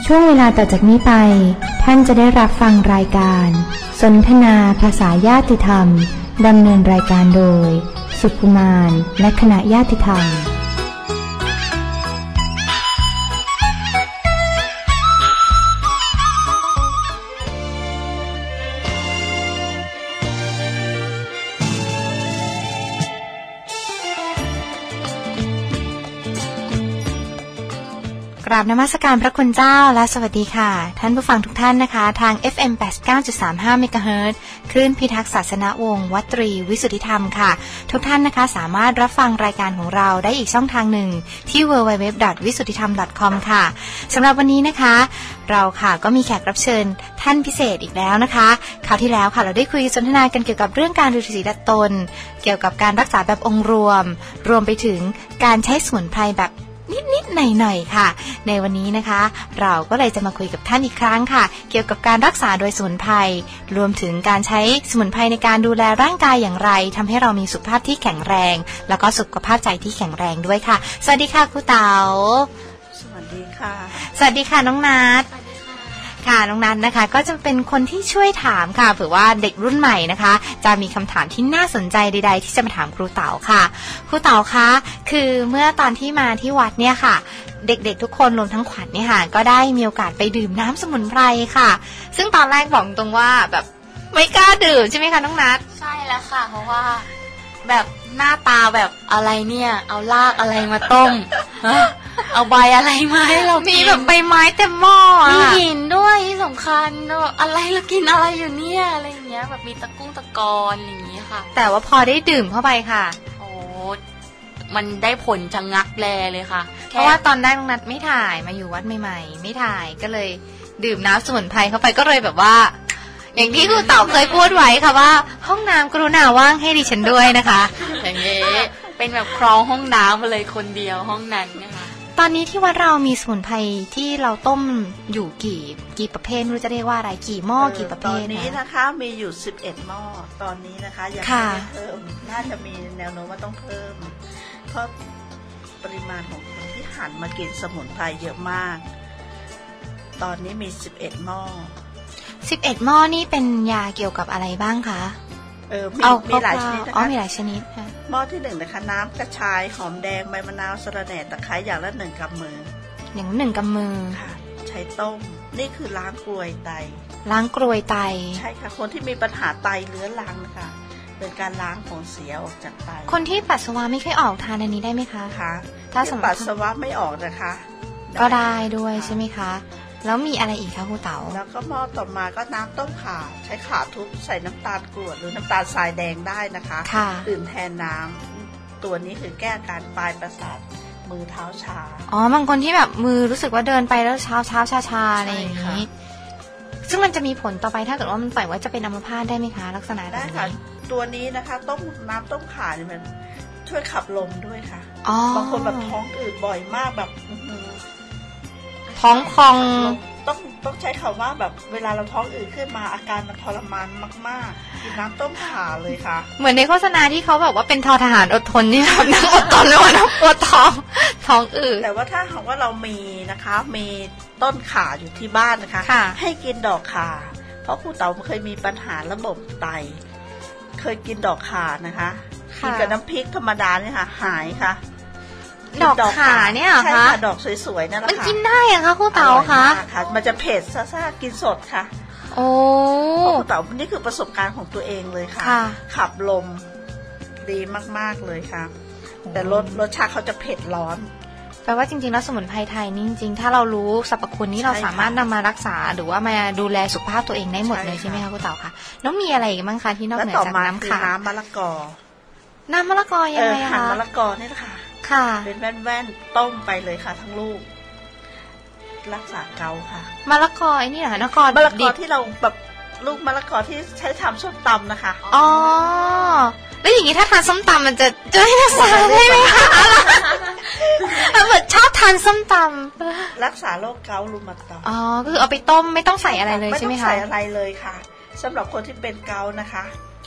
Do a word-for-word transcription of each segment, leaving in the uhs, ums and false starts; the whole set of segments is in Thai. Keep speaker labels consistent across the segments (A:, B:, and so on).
A: ช่วงเวลาต่อจากนี้ไปท่านจะได้รับฟังรายการสนทนาภาษาญาติธรรมดำเนินรายการโดยสุขุมานและคณะญาติธรรมกราบนมัสการพระคุณเจ้าและสวัสดีค่ะท่านผู้ฟังทุกท่านนะคะทาง เอฟ เอ็ม แปดสิบเก้าจุดสามห้า เมกะเฮิรตซ์คลื่นพิทักษ์ศาสนวงศ์วัดตรีวิสุทธิธรรมค่ะทุกท่านนะคะสามารถรับฟังรายการของเราได้อีกช่องทางหนึ่งที่ ดับเบิลยู ดับเบิลยู ดับเบิลยู ดอท วิสุทธิธรรม ดอท คอม ค่ะสำหรับวันนี้นะคะเราค่ะก็มีแขกรับเชิญท่านพิเศษอีกแล้วนะคะคราวที่แล้วค่ะเราได้คุยสนทนากันเกี่ยวกับเรื่องการดูสีดัดตนเกี่ยวกับการรักษาแบบองค์รวมรวมไปถึงการใช้สมุนไพรแบบนิดๆหน่อยๆค่ะในวันนี้นะคะเราก็เลยจะมาคุยกับท่านอีกครั้งค่ะเกี่ยวกับการรักษาโดยสมุนไพรรวมถึงการใช้สมุนไพรในการดูแลร่างกายอย่างไรทำให้เรามีสุขภาพที่แข็งแรงแล้วก็สุขภาพใจที่แข็งแรงด้วยค่ะสวัสดีค่ะครูเต๋า
B: สวัสดีค่ะ
A: สวัสดีค่ะน้องนัทค่ะน้องนัทนะคะก็จะเป็นคนที่ช่วยถามค่ะเผื่อว่าเด็กรุ่นใหม่นะคะจะมีคำถามที่น่าสนใจใดๆที่จะมาถามครูเต๋าค่ะครูเต๋าคะคือเมื่อตอนที่มาที่วัดเนี่ยค่ะเด็กๆทุกคนรวมทั้งขวัญเนี่ยค่ะก็ได้มีโอกาสไปดื่มน้ำสมุนไพรค่ะซึ่งตอนแรกบอกตรงว่าแบบไม่กล้าดื่มใช่ไหมคะน้องนัท
C: ใช่แล้วค่ะเพราะว่าแบบหน้าตาแบบอะไรเนี่ยเอารากอะไรมาต้ม เอาใบอะไรมาให้เรา
A: มีแบบใบไม้เต็มหม้อ
C: มีหินด้วยที่สำคัญอะไรเรากินอะไรอยู่เนี่ยอะไรอย่างเงี้ยแบบมีตะกุ้งตะกอนอย่างเงี้ยค่ะ
A: แต่ว่าพอได้ดื่มเข้าไปค่ะ
C: โอ้มันได้ผลจังงักแลเลยค่ะ
A: เพราะว่าตอนแรกน้องนัทไม่ถ่ายมาอยู่วัดใหม่ๆไม่ถ่ายก็เลยดื่มน้ำสมุนไพรเข้าไปก็เลยแบบว่าอย่างที่ครูเต๋าเคยพูดไว้ค่ะว่าห้องน้ำกรุณาว่างให้ดิฉันด้วยนะคะ
C: อย่างนี้เป็นแบบครองห้องน้ำมาเลยคนเดียวห้องนั้นนะคะ
A: ตอนนี้ที่วัดเรามีสมุนไพรที่เราต้มอยู่กี่กี่ประเภทไม่รู้จะเรียกว่าอะไรกี่หม้อกี่ประเภท
B: ตอนนี้นะคะมีอยู่สิบเอ็ดหม้อตอนนี้นะคะยังไม่เพิ่มน่าจะมีแนวโน้มว่าต้องเพิ่มเพราะปริมาณของคนที่หันมากินสมุนไพรเยอะมากตอนนี้มีสิบเอ็ดหม้อ
A: สิบเอ็ดหม้อนี่เป็นยาเกี่ยวกับอะไรบ้างคะ
B: เออมีมีหลายชนิดนะคะ
A: อ๋อมีหลายชนิดค่ะ
B: หม้อที่หนึ่งนะคะน้ำกระชายหอมแดงใบมะนาวสะระแหน่ตะไคร้อย่างละหนึ่งกำมือ
A: อย่างหนึ่งกำมือ
B: ค่ะใช้ต้มนี่คือล้างกรวยไต
A: ล้างกรวยไต
B: ใช่ค่ะคนที่มีปัญหาไตเรื้อรังนะคะเป็นการล้างของเสียออกจากไต
A: คนที่ปัสสาวะไม่ค่อยออกทานอันนี้ได้ไหมคะ
B: คะถ้าปัสสาวะไม่ออกนะคะ
A: ก็ได้ด้วยใช่ไหมคะแล้วมีอะไรอีกคะครูเต๋า
B: แล้วก็หม้อต่อมาก็น้ำต้มข่าใช้ข่าทุบใส่น้ำตาลกรวดหรือน้ำตาลทรายแดงได้นะคะดื่มแทนน้ำตัวนี้คือแก้อาการปลายประสาทมือเท้าชา
A: อ๋อบางคนที่แบบมือรู้สึกว่าเดินไปแล้วเช้าเช้าชาชาอะไรอย่างนี้ซึ่งมันจะมีผลต่อไปถ้าเกิดว่ามันปล่อยไว้จะเป็นอัมพาตได้ไหมคะลักษณะ
B: ได้ค่ะตัวนี้นะคะต้มน้ำต้มข่าเนี่ยมันช่วยขับลมด้วยค่ะบางคนแบบท้องอืดบ่อยมากแบบ
A: ท้องพอง
B: ต้องต้องใช้คำว่าแบบเวลาเราท้องอืดขึ้นมาอาการมันทรมานมากๆกินน้ำต้มข่าเลยค่ะ
A: เหมือนในโฆษณาที่เขาแบบว่าเป็นทอทหารอดทนนี่แบบนั่งอดทนแล้วนะปวดท้องท้องอืด
B: แต่ว่าถ้าหากว่าเรามีนะคะมีต้นข่าอยู่ที่บ้านนะคะให้กินดอกข่าเพราะครูเต๋าเคยมีปัญหาระบบไตเคยกินดอกข่านะคะกินกับน้ำพริกธรรมดาเนี่ยค่ะหายค่ะ
A: ดอกข่าเนี่ย
B: ใช่ค่ะดอกสวยๆนั่นแหละค่ะ
A: มันกินได้เหรอคะครูเต๋าคะ
B: ค่ะมันจะเผ็ดซ่าๆกินสดค่ะ
A: โอ้
B: ครูเต๋านี่คือประสบการณ์ของตัวเองเลยค่ะขับลมดีมากๆเลยค่ะแต่รสรสชาติเขาจะเผ็ดร้อน
A: แปลว่าจริงๆแล้วสมุนไพรไทยนี่จริงๆถ้าเรารู้สรรพคุณนี้เราสามารถนำมารักษาหรือว่ามาดูแลสุขภาพตัวเองได้หมดเลยใช่ไหมคะครูเต๋าคะแล้วมีอะไรอีกบ้างคะที่นอกเหนือจากน้ำข่า
B: น้ำมะละกอ
A: น้ำมะละกอยังไงคะ
B: หั่นมะละกอนี่แหละค่ะ
A: ค่ะ
B: เป็นแว่นๆต้มไปเลยค่ะทั้งลูกรักษาเกาค่ะ
A: มะละกอไอ้นี่เหรอมะละกอ
B: มะละกอที่เราแบบลูกมะละกอที่ใช้ทำส้มตำนะคะ
A: อ๋อแล้วอย่างนี้ถ้าทานส้มตำมันจะจะให้รักษาได้ไหมคะเหมือนชอบทานส้มต
B: ำรักษาโรคเกาต์รูมาตอยด์
A: อ๋อก็คือเอาไปต้มไม่ต้องใส่อะไรเลยใช่ไหมคะ
B: ไม่ต้องใส่อะไรเลยค่ะสำหรับคนที่เป็นเกาต์นะคะ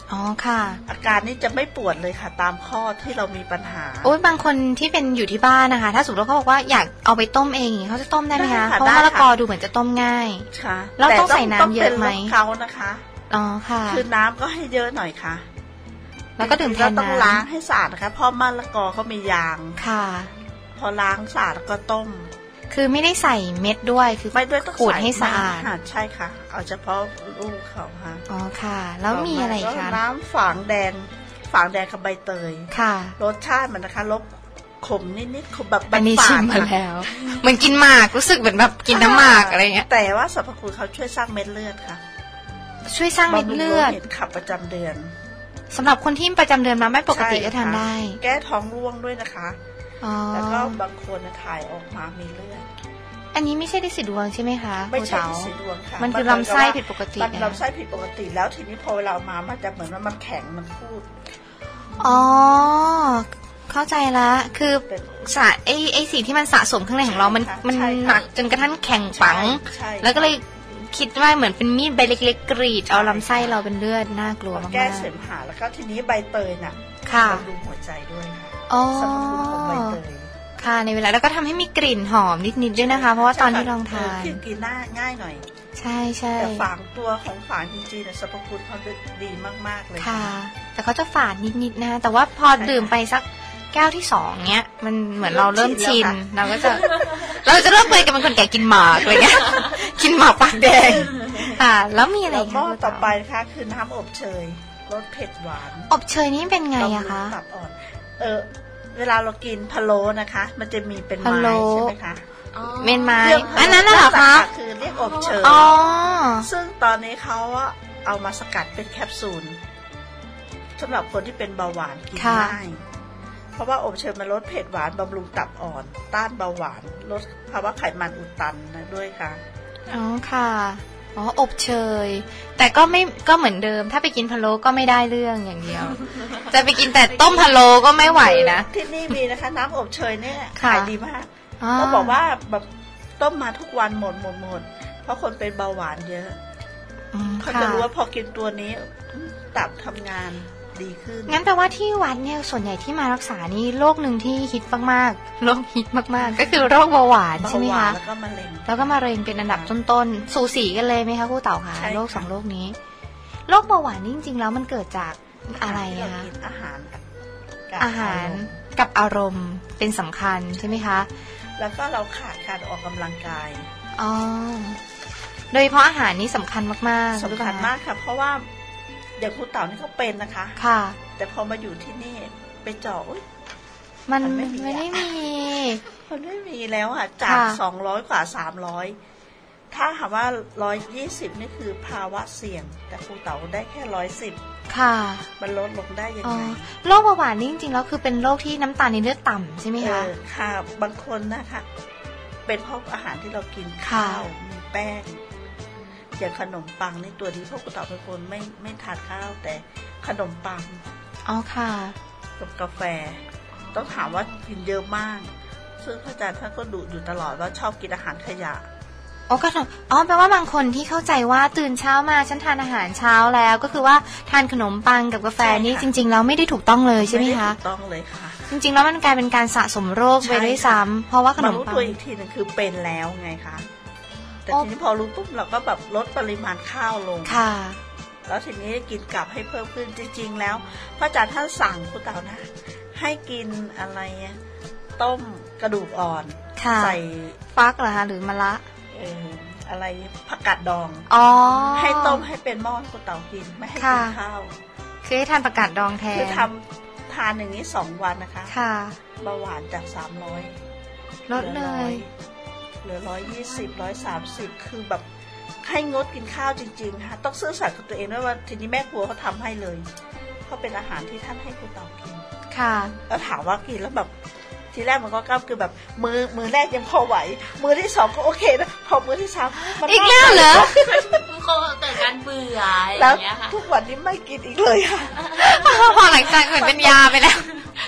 A: อ๋อค่ะ
B: อาการนี้จะไม่ปวดเลยค่ะตามข้อที่เรามีปัญหา
A: โอ้ยบางคนที่เป็นอยู่ที่บ้านนะคะถ้าสมมติเขาบอกว่าอยากเอาไปต้มเองเขาจะต้มได้ไหมคะเพราะมะละกอดูเหมือนจะต้มง่าย
B: ค่ะ
A: แล้วต้องใส่น้ำเยอะไหม
B: เขานะคะ
A: อ๋อค่ะ
B: คือน้ำก็ให้เยอะหน่อยค่ะ
A: แล้วก็ดื่มแทนน้ำ
B: ต้องล้างให้สะอาดนะคะเพราะมะละกอเขามียาง
A: ค่ะ
B: พอล้างสะอาดก็ต้ม
A: คือไม่ได้ใส่เม็ดด้วยคือ
B: ไม่ด้วยต้อง
A: ขูดให้สะอาด
B: ใช่ค่ะเอาเฉพาะลูกเขาค่ะ
A: อ๋อค่ะแล้วมีอะไรคะ
B: น้ำฝางแดงฝางแดงกับใบเตย
A: ค่ะ
B: รสชาติมันนะคะรสขมนิดๆขมแบบ
A: อันนี้ชิมมาแล้วเหมือนกินหมากรู้สึกเหมือนแบบกินน้ำหมากอะไรเงี้ย
B: แต่ว่าสรรพคุณเขาช่วยสร้างเม็ดเลือดค่ะ
A: ช่วยสร้างเม็ดเลือด
B: ขับประจำเดือน
A: สำหรับคนที่ประจำเดือนมาไม่ปกติก็ทานได้
B: แก้ท้องร่วงด้วยนะคะแล้วก็บางคนถ่ายออกมามีเลือด
A: อันนี้ไม่ใช่ดินสีดวงใช่ไหมคะ
B: ไม่ใช่ดินสีดวงค่ะ
A: มันคือลำไส้ผิดปกติ
B: มันลำไส้ผิดปกติแล้วทีนี้พอเรามามันจะเหมือนว่ามันแข็งมันพูด
A: อ๋อเข้าใจละคือสะไอไอสิ่งที่มันสะสมข้างในของเรามันมันหนักจนกระทั่งแข็งปังแล้วก็เลยคิดว่าเหมือนเป็นมีดใบเล็กๆกรีดเอาลำไส้เราเป็นเลือดน่ากลัวมาก
B: แก้เสมหะแล้วก็ทีนี้ใบเตยน่ะบำรุงหัวใจด้วยค่ะสรรพคุณของใบเตย
A: ค่ะในเวลาแล้วก็ทำให้มีกลิ่นหอมนิดๆด้วยนะคะเพราะว่าตอนที่ลองทาน
B: คือกินง่ายง่ายหน่อย
A: ใช่ใช่
B: แต่ฝางตัวของฝางจริงๆเนี่ยสรรพคุณเขาดีมากๆเลย
A: ค่ะแต่เขาจะฝาดนิดๆนะคะแต่ว่าพอดื่มไปสักแก้วที่สองเนี้ยมันเหมือนเราเริ่มชินเราก็จะเราจะเริ่มเคยกับเป็นคนแก่กินหมากอะไรเงี้ยกินหมากปากแดงค่ะแล้วมีอะไร
B: คะต่อไปนะคะคือน้ำอบเชยรสเผ็ดหวาน
A: อบเชยนี่เป็นไงอะคะ
B: ตับอ่อนเออเวลาเรากินพะโล้นะคะมันจะมีเป็นไม้ใช่ไหมคะ
A: เมนไม้อันนั้นน่ะเหรอคะ
B: คือเรียกอบเชยซึ่งตอนนี้เขาเอามาสกัดเป็นแคปซูลสำหรับคนที่เป็นเบาหวานกินง่ายเพราะว่าอบเชยมันลดเผ็ดหวานบำรุงตับอ่อนต้านเบาหวานลดภาวะไขมันอุดตันนะด้วยค่ะ
A: อ๋อค่ะอ๋ออบเชยแต่ก็ไม่ก็เหมือนเดิมถ้าไปกินพะโล้ก็ไม่ได้เรื่องอย่างเดียวจะไปกินแต่ต้มพะโล้ก็ไม่ไหวนะ
B: ที่นี่มีนะคะน้ำอบเชยเนี่ยขายดีมากเขาบอกว่าแบบต้มมาทุกวันหมดหมดหมดเพราะคนเป็นเบาหวานเยอะเขาจะรู้ว่าพอกินตัวนี้ตับทำงานดีขึ้น
A: งั้นแปลว่าที่วัดเนี่ยส่วนใหญ่ที่มารักษานี่โรคหนึ่งที่ฮิตมากๆโรคฮิตมากๆก็คือโรคเบาหวานใช่ไหมคะ
B: แล้วก็มะเร็ง
A: แล้วก็มะเร็งเป็นอันดับต้นๆสูสีกันเลยไหมคะครูเต่าคะโรคสองโรคนี้โรคเบาหวานนี่จริงๆแล้วมันเกิดจากอะไรคะ
B: อาหาร
A: อาหารกับอารมณ์เป็นสำคัญใช่ไหมคะ
B: แล้วก็เราขาดการออกกำลังกาย
A: อ๋อโดยเฉพาะอาหารนี่สำคัญมาก
B: ๆสำคัญมากค่ะเพราะว่าอย่างครูเต่านี่เขาเป็นนะคะ
A: ค่ะ
B: แต่พอมาอยู่ที่นี่ไปเจาะ
A: มันไม่ได้มี
B: มันไม่มีแล้วค่ะจากสองร้อยกว่าสามร้อยถ้าหากว่าร้อยยี่สิบนี่คือภาวะเสี่ยงแต่ครูเต่าได้แค่ร้อยสิบ
A: ค่ะ
B: มันลดลงได้ยังไง
A: โรคเบาหวานนี่จริงๆแล้วคือเป็นโรคที่น้ำตาลในเลือดต่ำใช่ไหมคะ
B: ค่ะบางคนนะคะเป็นเพราะอาหารที่เรากินข้าวมีแป้งอย่างขนมปังนี่ตัวนี้พวกครูเต่าเป็นคนไม่ไม่ทานข้าวแต่ขนมปัง
A: อ๋อค่ะ
B: กับกาแฟต้องถามว่ากินเยอะมากซึ่งพระอาจารย์ท่านก็ดุอยู่ตลอดว่าชอบกินอาหารขยะ
A: อ๋อก็อ๋อแปลว่าบางคนที่เข้าใจว่าตื่นเช้ามาฉันทานอาหารเช้าแล้วก็คือว่าทานขนมปังกับกาแฟนี่จริงๆแล้วไม่ได้ถูกต้องเลยใช่ไหมคะ
B: ไม่ได้ถูกต้องเลยค่ะ
A: จริงๆแล้วมันกลายเป็นการสะสมโรคไปด้วยซ้ำเพราะว่าขนมปังมารู้
B: ตัวอีกทีนึงคือเป็นแล้วไงคะแต่ทีนี้พอรู้ปุ๊บเราก็แบบลดปริมาณข้าวลง
A: ค่ะ
B: แล้วทีนี้กินกลับให้เพิ่มขึ้นจริงๆแล้วพระอาจารย์ท่านสั่งครูเต่านะให้กินอะไรต้มกระดูกอ่อนใส่
A: ฟักเหรอคะหรือมะระ
B: เอออะไรผักกาดดอง
A: อ๋อ
B: ให้ต้มให้เป็นหม้อครูเต่ากินไม่ให้กินข้าว
A: คือให้ทานผักกาดดองแทน
B: คือทำทานอย่างนี้สองวันนะคะ
A: ค่ะ
B: เบาหวานจากสามร้อย
A: ลดเลย
B: เหลือร้อยยี่สิบร้อยสามสิบคือแบบให้งดกินข้าวจริงๆค่ะต้องซื่อสัตย์กับตัวเองด้วยว่าทีนี้แม่ครัวเขาทำให้เลยเขาเป็นอาหารที่ท่านให้ครูเต่ากิน
A: ค่ะ
B: แล้วถามว่ากินแล้วแบบทีแรกมันก็ก้าวคือแบบมือมือแรกยังพอไหวมือที่สองก็โอเคนะพอมือที่สาม
A: มันอีกแล้วเหรอ
C: มันคงเกิดการเบื่ออย่างเงี้ยค่ะ
B: ทุกวันนี้ไม่กินอีกเลยค่ะ
A: พอหลังจากเหมือนเป็นยาไปแล้ว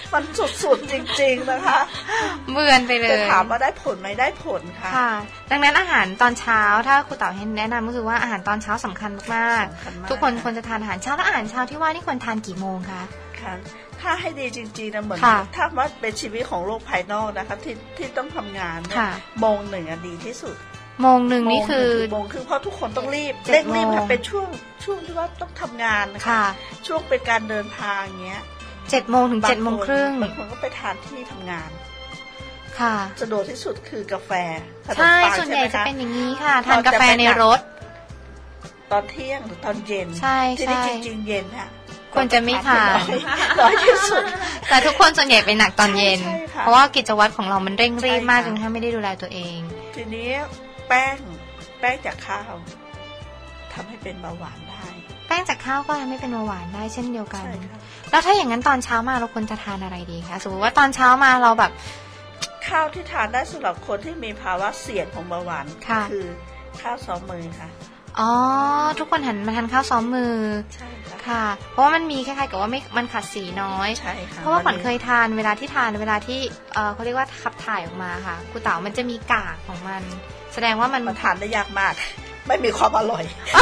B: มันสุดๆจริงๆนะคะ
A: เบือนไปเลย
B: แต่ถามว่าได้ผลไหมได้ผลค่ะ
A: ค่ะดังนั้นอาหารตอนเช้าถ้าครูเต๋าให้แนะนำก็คือว่าอาหารตอนเช้าสำคัญมากๆทุกคนควรจะทานอาหารเช้าแล้วอาหารเช้าที่ว่านี่ควรทานกี่โมงคะ
B: ค่ะถ้าให้ดีจริงๆนะเหมือนถ้าว่าเป็นชีวิตของโลกภายนอกนะคะที่ที่ต้องทำงานโมงหนึ่งดีที่สุด
A: โมงหนึ่งนี่คือ
B: โมงคือเพราะทุกคนต้องรีบเร่งรีบค่ะเป็นช่วงช่วงที่ว่าต้องทำงานนะคะช่วงเป็นการเดินทางเงี้ย
A: เจ็ดโมงถึงเจ็ดโมงครึ่ง
B: บางคนก็ไปทานที่ทำงาน
A: ค่ะ
B: สะดวกที่สุดคือกาแฟ
A: ใช่ส่วนใหญ่จะเป็นอย่างนี้ค่ะทานกาแฟในรถ
B: ตอนเที่ยงหรือตอนเย็น
A: ใช่
B: ใช่จริงๆเย็นค่ะ
A: ควรจะไม่ทาน
B: น้อยที่สุด
A: แต่ทุกคนส่วนใหญ่เป็นหนักตอนเย็นเพราะว่ากิจวัตรของเรามันเร่งรีบมากจนถ้าไม่ได้ดูแลตัวเอง
B: ทีนี้แป้งแป้งจากข้าวทำให้เป็นเบาหวานได้
A: แป้งจากข้าวก็ทำให้เป็นเบาหวานได้เช่นเดียวกันแล้วถ้าอย่างนั้นตอนเช้ามาเราควรจะทานอะไรดีคะสมมติว่าตอนเช้ามาเราแบบ
B: ข้าวที่ทานได้สำหรับคนที่มีภาวะเสี่ยงของเบาหวานคือข้าวซ้อมมือค่ะ
A: อ๋อทุกคนหันมาทานข้าวซ้อมมือ
B: ใช่
A: ค่ะเพราะว่ามันมีคล้ายๆกับว่าไม่มันขัดสีน้อย
B: ใช่ค่ะ
A: เพราะว่าขวัญเคยทานเวลาที่ทานเวลาที่เออเขาเรียกว่าขับถ่ายออกมาค่ะครูเต๋ามันจะมีกากของมันแสดงว่ามัน
B: มันทานได้ยากมากไม่มีความอร่อย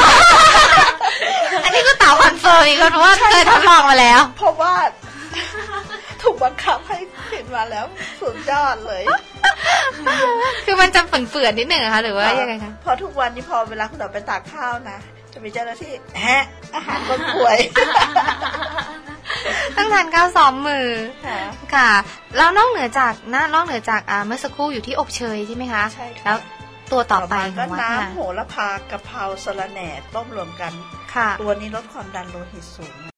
A: อันนี้ครูเต๋าคอนเฟิร์มอีกเพราะว่าเคยทดลองมาแล้ว
B: เพราะว่าถูกบังคับให้กินมาแล้วสุดยอดเลย
A: คือมันจะฝืนๆนิดหนึ่งนะคะหรือว่ายังไงคะ
B: พอทุกวันนี้พอเวลาคุณเราไปตักข้าวนะจะมีเจ้าหน้าที่แฮะอาหารคนป่วย
A: ต้องทานข้าวซ้อมมือค่ะแล้วนอกเหนือจากนะนอกเหนือจากเมื่อสักครู่อยู่ที่อบเชยใช่ไหมคะ
B: ใช่ค่ะ
A: แล้วตัวต่อไป
B: ก็น้ำโหระพากะเพราสะระแหน่ต้มรวมกันตัวนี้ลดความดันโลหิตสูง